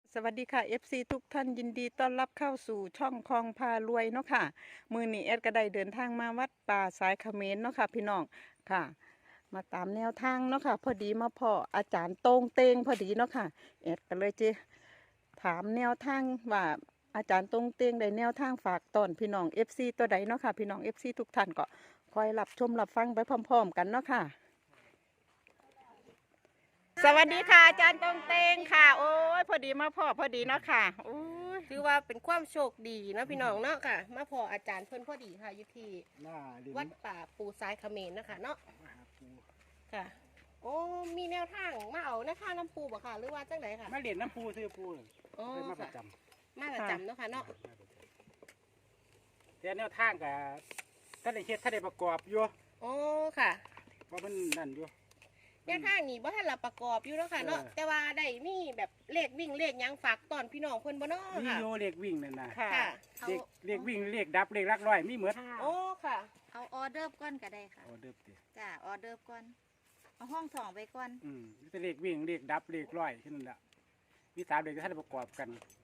สวัสดีค่ะ FC ทุกท่านยินดีต้อนรับเข้าสู่ช่องคลองพารวยเนาะค่ะมือนี้แอดก็ได้เดินทางมาวัดป่าสายเขมรเนาะค่ะพี่น้องค่ะ มาตามแนวทางเนาะค่ะพอดีมาพ่ออาจารย์โต้งเตงพอดีเนาะค่ะแอดก็เลยจะถามแนวทางว่าอาจารย์โต้งเตงได้แนวทางฝากตอนพี่น้อง FC ตัวใดเนาะค่ะพี่น้อง FC ทุกท่านก็คอยรับชมรับฟังไปพร้อมๆกันเนาะค่ะ สวัสดีค่ะอาจารย์ตองเตงค่ะโอ้ยพอดีมาพ่อพอดีเนาะค่ะโอ้ยถือว่าเป็นความโชคดีเนาะพี่น้องเนาะค่ะ มาพออาจารย์เพิ่นพอดีค่ะอยู่ที่หน้าดินวัดป่าปูซ้ายเขมรนะคะเนาะมหาปูค่ะ โอ้มีแนวทางมาเอาแนวทางน้ำปูบ่ค่ะ หรือว่าจังไดค่ะมาเหรียญน้ำปูซื้อปูเลยโอ้เป็นมาปค่ะระจมาประจำเนาะค่ะเนาะำแต่แนวทางกับท่านได้เฮ็ดท่านได้ประกอบอยู่โอ้ค่ะเพราะมันนั่นอยู่แนวทางนี้บ่ทันละประกอบอยู่เนาะค่ะเนาะเออแต่ว่าได้มีแบบเลขวิ่งเลขหยังฝากตอนพี่น้องเพิ่นบ่เนาะมีค่ะโยเลขวิ่งนั่นน่ะค่ะค่ะเลขวิ่งเลขดับเลขลักร้อยมีเหมือนโอ้ค่ะเอาออเดอร์ก่อนก็ได้ค่ะออเดิมติจ้าออเดอร์ก่อน เอาห้องสองไปก่อนมีแต่เลขวิ่งเลขดับเลขร้อยแค่นั้นแหละมีสามเลขที่ท่านได้ประกอบกัน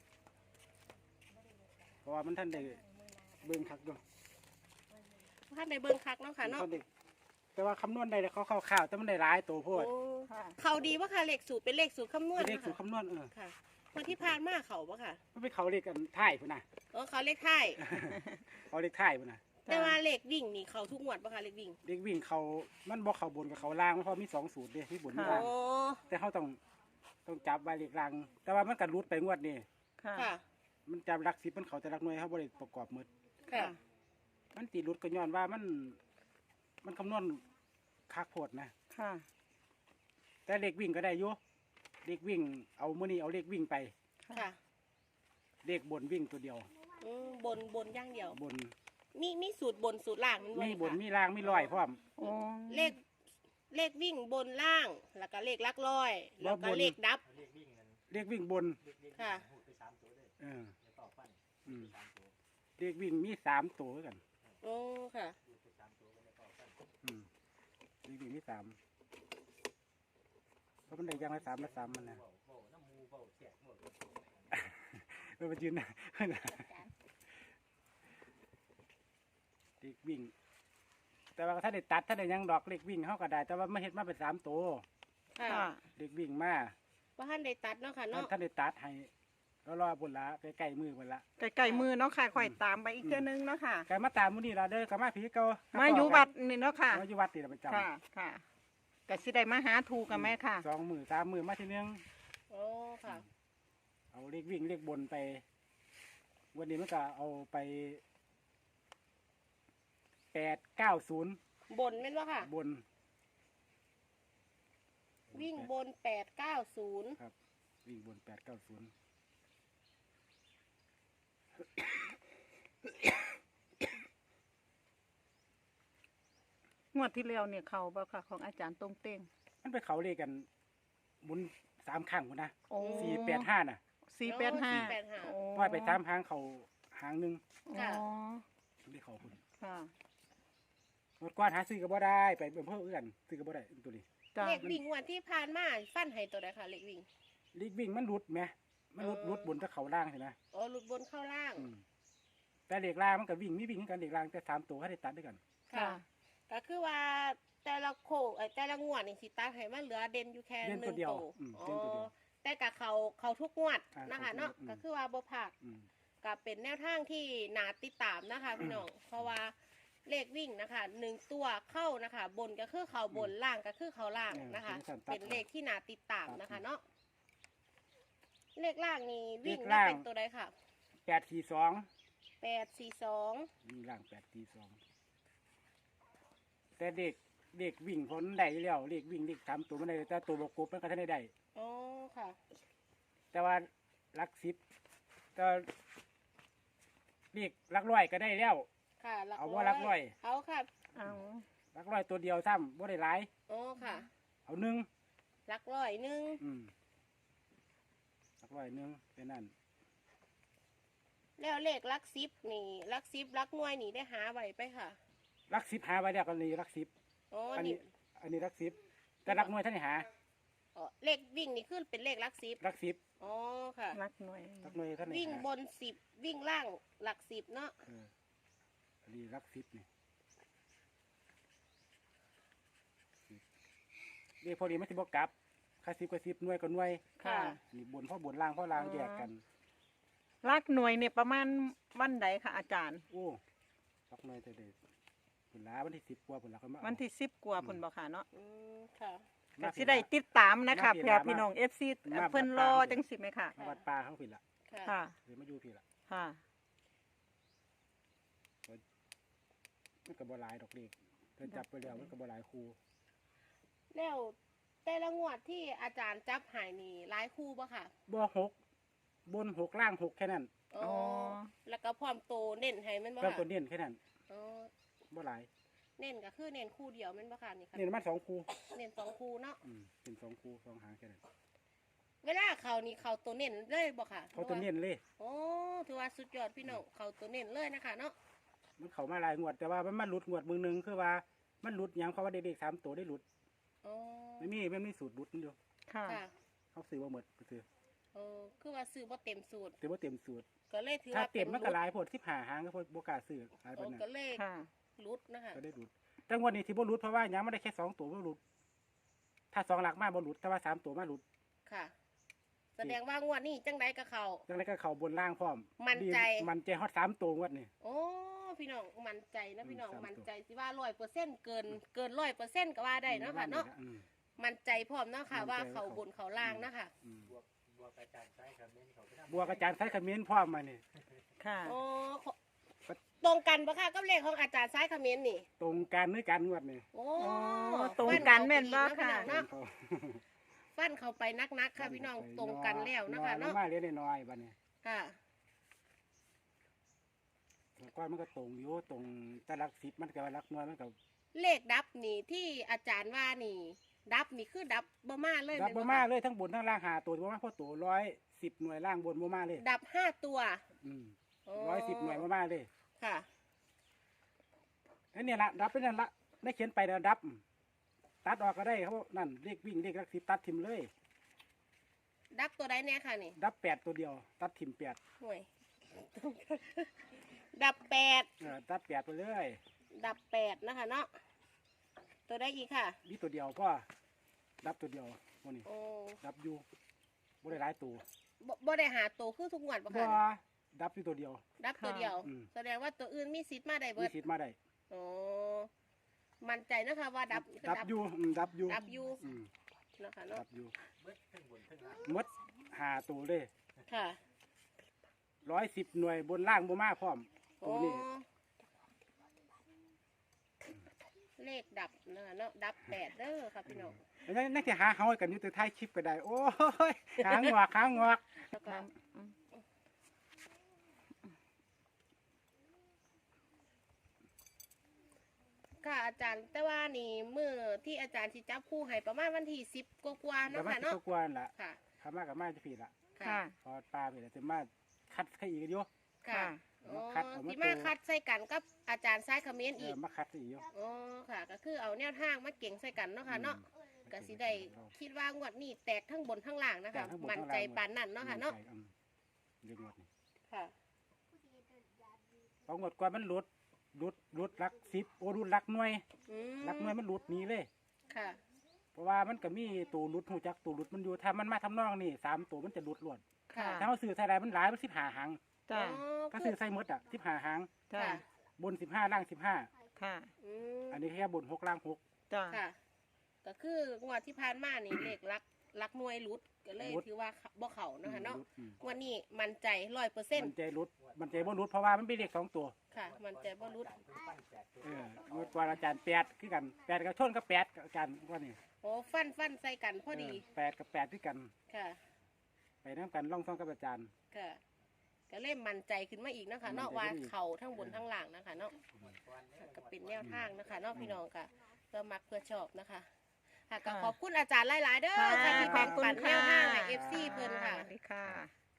เพราะว่ามันท่านได้เบิ่งคักด้วยท่านได้เบิ่งคักเนาะค่ะเนาะแต่ว่าคำนวณได้เขาข่าวๆแต่มันได้หลายตัวโพดโอ้ค่ะเขาดีว่าค่ะเลขสูตรเป็นเลขสูตรคำนวณเป็นเลขนะสูตคะรคำนวณค่ะวันที่ผ่านมาเขาปะค่ะมันเป็นเขาเลขกันท้ายพุ่นน่ะเขาเลขท้ายเขาเลขท้ายพุ่นน่ะแต่ว่าเลขวิ่งนี่เขาทุกงวดปะค่ะเลขวิ่งเด็กวิ่งเขามันบอกเขาบนกับเขาล่างเพราะมีสองสูตรเด้มีบนมีค่ะล่างโอ้แต่เขาต้องจับไว้เล็กล่าง แต่ว่ามันกัรุดไปงวดนี่ค่ะค่ะมันจับรักสิบมันเขาจะรักหน่วยเขาบริประกอบหมดค่ะมันตีรุดก็ย้อนว่ามันคำนวณคักโพดนะค่ะแต่เล็กวิ่งก็ได้อยู่เล็กวิ่งเอามื่อนี้เอาเล็กวิ่งไปค่ะเล็กบนวิ่งตัวเดียวบนอย่างเดียวบนมีสูตรบนสูตรล่างมันมีบนค่ะมีล่างมีลอยพร้อมโอ้เลขวิ่งบนล่าง แล้วก็เลขลักร้อย แล้วก็บนเลขดับเล็กวิ่งบนค่ะเอออืมเล็กวิ่งมีสามตัวด้วยกันโอ้ค่ะอืมเล็กวิ่งมีสามเพราะมันได้อยังละสามละสามมันนะ เออมายืนนะเด็กวิ่ง แต่ว่าถ้าได้ตัดถ้าได้หยังดอกเล็กวิ่งเขาก็ได้ แต่ว่าไม่เห็นมาเป็นสามตัวค่ะค่ะเด็กวิ่งมาว่าท่านได้ตัดเนาะค่ะเนาะท่านได้ตัดให้ก็รอบนละใกล้ๆมือบนละใกล้ๆมือเนาะค่ะค่อยตามไปอีกเทื่อนึงเนาะค่ะแกมาตามมื้อนี้เราเด้อกมาผีเก่ามาอยู่วัดนี่เนาะค่ะมาอยู่วัดนี่เราประจค่ะ ค่ะก็สิได้มาหาถูกกันไหมค่ะำ2 มื้อ3 มื้อมาทีนึงโอ้ค่ะเอาเลขวิ่งเลขบนไป วันนี้มันก็เอาไป890 บนแม่นว่าค่ะบนวิ่งบน890 ครับ วิ่งบน890 งวดที่แล้วเนี่ยเขาบ่ค่ะของอาจารย์ตรงเต้งมันไปเขาเลขกันบุญ3ครั้งพุ่นนะโอ้ 485น่ะ 485 485 โอ้ว่าไป3ครั้งเขาหางหนึงอ๋อได้เขาพุ่นค่ะงวดก่อนหาซื้อก็บ่ได้ไปเพิ่มกันซื้อก็บ่ได้ตัวนี้จ้าเลขวิ่งงวันที่ผ่านมาฟันให้ตัวใดค่ะเลขวิ่งเลขวิ่งมันหลุดไหมมันหลุดบนถ้าเขาล่างใช่ไหมอ๋อหลุดบนเข้าล่างแต่เลขล่างมันก็วิ่งมีวิ่งกันเลขล่างแต่3ตัวให้ได้ตัดด้วยกันค่ะก็คือว่าแต่ละโคแต่ละงวดนี่สิตาให้มันเหลือเด่นอยู่แค่เด่นหตันึ่วงเดียวตัวเด่นตัวเดียวแต่กับเขาทุกงวดอ่านะคะเขาทุกงวดเนาะอืมก็คือว่าบ่ผักอืมก็เป็นแนวทางที่นาติดตามนะคะพี่น้องเพราะว่าเลขวิ่งนะคะ1ตัวเข้านะคะ บนก็คือเขาบนล่างก็คือเขาล่างนะคะ เป็นเลขที่นาติดตามนะคะเนาะเลขล่างนี่วิ่งได้เป็นตัวใดค่ะ 842 842 วิ่งล่าง842แต่เด็กวิ่งพ้นได้อยู่แล้วเลขวิ่งเลข3ตัวมันได้แต่ตัวบกกบมันก็ทันได้อ๋อค่ะแต่ว่าหลัก10แต่เลขหลักร้อยก็ได้แล้วค่ะเอาว่าหลักร้อยเอาค่ะเอาหลักร้อยตัวเดียวซ้ำบ่ได้หลายอ๋อค่ะเอาหนึ่งหลักร้อยหนึ่งหลักร้อยหนึ่งเป็นนั่นแล้วเลขหลักสิบนี่หลักสิบหลักหน่วยนี่ได้หาไว้ไปค่ะหลัก10หาไว้แล้วก็นี่หลัก10 อ๋ออันนี่นี้อันนี้หลัก10แต่หลักหน่วยท่านนี่หาอ๋อเลขวิ่งนี่ขึ้นเป็นเลขหลักสิบหลัก10 อ๋อค่ะรักหน่วยรักหน่วยท่านไหนวิ่งบน10วิ่งล่างหลัก10เนาะอันนี้รัก10นี่นี่พอดีไม่สิบ่กลับค่า10ก็10หน่วยก็หน่วยค่ะนี่บนพ่อบนล่างพ่อล่างแยกกันรักหน่วยเนี่ยประมาณวันใดค่ะอาจารย์โอ้รักหน่วยแต่เด็กผลลาวันที่10กว่าผลลาเขามาเอาวันที่10กว่าพุ่นบ่ค่ะเนาะค่ะก็สิได้ติดตามนะคะมาเพื่อพี่น้อง FC เพิ่นรอจังสิไหมค่ะมาวัดป่าเขาผิดละค่ะค่ะหรือมาอยู่ผิดละค่ะมันก็บ่หลายดอกเด็กเพิ่นจับไปแล้วมันก็บ่หลายครูแล้วแต่ละงวดที่อาจารย์จับใหายนี่หลายคู่ป่ะค่ะบ่6บน6ล่าง6แค่นั้นอ๋ออ๋อแล้วก็พร้อมโตเน้นให้แมันป่ะเพิ่มค่ะตัวเน้นแค่นั้นอ๋อบ่หลายเน้นก็คือเน้นคู่เดียวแมันป่ะค่ะนี่ค่ะเน้นมัน2ครูเน้น2คู่เนาะเป็น2ครู2หางแค่นั้นเวลาเขานี่เขาตัวเน้นเลยบ่ค่ะเขาตัวเน้นเลยโอ้ถือว่าสุดยอดพี่น้องเขาตัวเน้นเลยนะคะเนาะมันเข้ามาหลายงวดแต่ว่ามันมาหลุดงวดมือหนึงคือว่ามันหลุดหยังเพราะว่าเด็กๆ3ตัวได้หลุดอ๋อไม่มีสูตรหลุดอยู่ค่ะค่ะเขาซื้อบ่หมดไปซื้อคือว่าซื้อบ่เต็มสูตรแต่บ่เต็มสูตรก็เลยถือถ้าว่าเต็มมันก็หรุดลายโพด15หางก็พดบ่กล้าซื้อหลายปานนั้นก็เลยค่ะรุดนะคะก็ได้หลุดแต่งวดนี้ที่บ่หลุดเพราะว่าหยังไม่ได้แค่2ตัวบ่หลุดถ้า2หลักมาบ่หลุดแต่ว่า3ตัวมาหลุดค่ะ แสดงว่างวดนี้จังไดก็เขาจังได๋ก็เข้าบนล่างพร้อมมั่นใจดีมันใจฮอด3ตัวงวดนี้โอ้พี่น้องมั่นใจนะพี่น้อง 3 มั่นใจสิว่า100%เกิน100%ก็ว่าได้เนาะค่ะเนาะอืมมั่นใจพร้อมเนาะค่ะมั่นใจว่าเขาบนเขาล่างนะคะอืมบวกอาจารย์ใช้คอมเมนต์พร้อมมานี่ค่ะโอ้ตรงกันปะค่ะกับเลขของอาจารย์ซ้ายคอมเมนต์นี่ตรงกันหรือกันงวดนี้โอ้ตรงกันแม่นบ่ฟัค่ะเนาะเขาฟันเข้าไปนักๆค่ะพี่น้องตรงกันแล้วนะคะน้อยเนาะมาเรียนน้อยๆบัดนี้ค่ะแล้วก็มันก็ตรงอยู่ตรงแต่หลัก10มันก็ว่าหลักน้อยมันก็เลขดับนี่ที่อาจารย์ว่านี่ ดับนี่คือดับบ่มาเลยรับบ่แนมาคะเลยทั้งบนทั้งล่างหาตัวบ่มาเพราะตัว110หน่วยล่างบนบ่มาเลยดับ5ตัวอืมโอ้ 110หน่วยบ่มาเลยค่ะอันนี้ละดับเป็นนั่นละได้เขียนไปแล้วดับ ตัดออกก็ได้เขาบอกนั่นเลขวิ่งเลขหลัก10ตัดทิมเลยดับตัวใดเนี่ยค่ะนี่ดับ8ตัวเดียว ตัดทิม8 ห่วย ดับ8 ตัด8ไปเลยดับ8นะคะเนาะตัวได้อีกค่ะนี่ตัวเดียวพ่อดับตัวเดียวพวกนี้โอ้ดับอยู่บ่ได้หลายตัวบ่ได้หาตัวคือทุกงวดปะบ่ค่ะดับอยู่ตัวเดียวดับตัวเดียวอืมแสดงว่าตัวอื่นมีสิทธิ์มาได้เบิมีดสิทธิ์มาได้โอ้มั่นใจนะคะว่าดับดับอยู่ดับอยู่ดับอยู่อืมนะคะดัเนาะบอยู่หมดหาตัวเลยค่ะ 110หน่วยบนล่างบ่มาพร้อมตัโอ้วนี้เลขดับนะคะเนาะดับ8เด้อค่ะพี่น้องอันนั้นนักที่หาเฮากันอยู่แต่ท้ายคลิปก็ได้ โอ้ยหางอกหางอกแล้วก็ค่ะอาจารย์แต่ว่านี่มือที่อาจารย์ที่จับคู่ให้ประมาณวันที่10กว่าๆแต่เนาะว่าค่ะสิเนาะก็กวนล่ะค่ะขามากับมาจะผิดละค่ะพอปลาไปแล้วจะมาคัดใครอีกอยู่ค่ะค่ะอ๋อคัดเอามาที่มาคัดใส่กันกับอาจารย์ซ้ายคอมเมนต์อีกมาคัดอีกอยู่อ๋อค่ะ ก็คือเอาแนวทางมาเก่งใส่กันเนาะค่ะเนาะก็สิได้คิดว่างวดนี้แตกทั้งบนทั้งล่างนะคะ มั่นใจปานนั้นเนาะค่ะเนาะเรื่องงวดนี้ค่ะเพองวดก่อนมันหลุดหลัก10โอ้หลุดหลักหน่วยอืมหลักหน่วยมันหลุดหนี้เลยค่ะเพราะว่ามันก็มีตัวหลุดหูจักตัวหลุดมันอยู่ถ้ามันมาทำนองนี่3ตัวมันจะหลุดล้วนค่ะถ้าเราซื้อใส่ใดมันหลายมัน15หางจ้าถ้าซื้อใส่หมดอ่ะ15หางจ้าค่ะบน15ล่าง15 ค่ะอืมอันนี้แค่บน6ล่าง6 จ้าค่ะ ก็คืองวดที่ผ่านมานี่ เลขลักหน่วยรุดก็เลยรุดถือว่าบ่เข่าเนาะคะเนาะหลุดอืมงวันนี้มั่นใจมัน 100% ใจหลุดมันใจบ่หลุดเพราะว่ามันเป็นเลข2ตัวค่ะ มั่นใจบ่รุดงวดก่อนอาจารย์8คือกัน8กับชนกับ8กับอาจารย์ว่านี่โอ้ฟันใส่กันพอดี 8กับ8คือกันค่ะไปนํกันล่องท่องกับอาจารย์ค่ะก็เล่มมั่นใจขึ้นมาอีกนะคะเนาะมั่นใจว่าขึ้นอีกเข่าทั้งบนทั้งล่างนะคะเนาะก็เป็นแนวทางนะคะเนาะพี่น้องค่ะเพื่อมักเพื่อชอบนะคะค่ะก็ขอบคุณอาจารย์หลายๆเด้อค่ะที่ขแบ่อบงคุณปันแนค่ะวทางให้ FC เพิ่นค่ะสวัสดีค่ะ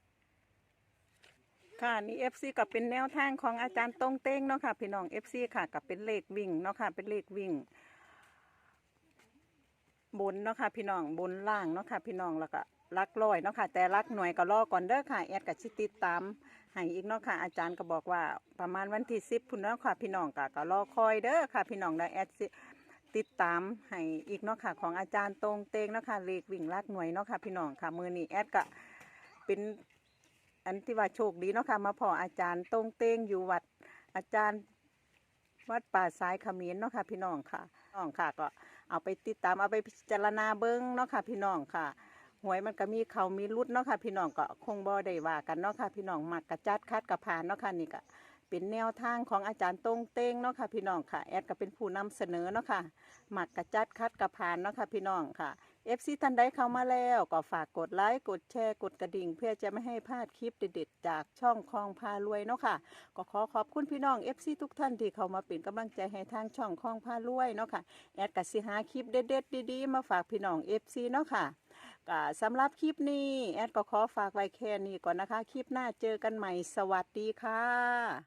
ค่ะนี่ FC ก็เป็นแนวทางของอาจารย์ตรงเต้งเนาะค่ะพี่น้อง FC ค่ะกับเป็นเลขวิ่งเนาะค่ะเป็นเลขวิ่ง บนเนาะค่ะพี่น้องบนล่างเนาะค่ะพี่น้องแล้วก็ลักร้อยเนาะค่ะแต่ลักหน่วยก็รอก่อนเด้อค่ะแอดก็สิติดตามให้อีกเนาะค่ะอาจารย์ก็บอกว่าประมาณวันที่10พุ่นเนาะค่ะพี่น้องก็รอคอยเด้อค่ะพี่น้องได้แอดสิติดตามให้อีกเนาะค่ะของอาจารย์ตรงเตงเนาะค่ะเลขวิ่งลักหน่วยเนาะค่ะพี่น้องค่ะมื้อนี้แอดก็เป็นอันที่ว่าโชคดีเนาะค่ะมาพออาจารย์ตรงเตงอยู่วัดอาจารย์วัดป่าสายเขมิ้นเนาะค่ะพี่น้องค่ะน้องค่ะก็เอาไปติดตามเอาไปพิจารณาเบิ้งเนาะค่ะพี่น้องค่ะหวยมันก็มีเขามีรุดเนาะค่ะพี่น้องก็คงบ่ได้ว่ากันเนาะค่ะพี่น้องมักกระจัดคัดกระผ่านเนาะค่ะนี่ก็เป็นแนวทางของอาจารย์ตรงเตงเนาะค่ะพี่น้องค่ะแอดก็เป็นผู้นำเสนอเนาะค่ะมักกระจัดคัดกระผ่านเนาะค่ะพี่น้องค่ะ FC ท่านใดเข้ามาแล้วก็ฝากกดไลค์กดแชร์กดกระดิ่งเพื่อจะไม่ให้พลาดคลิปเด็ดๆจากช่องคลองพารวยเนาะค่ะก็ขอขอบคุณพี่น้อง FC ทุกท่านที่เข้ามาเป็นกำลังใจให้ทางช่องคลองพารวยเนาะค่ะแอดก็สิหาคลิปเด็ดๆดีๆมาฝากพี่น้อง FC เนาะค่ะก็สำหรับคลิปนี้แอดก็ขอฝากไว้แค่นี้ก่อนนะคะคลิปหน้าเจอกันใหม่สวัสดีค่ะ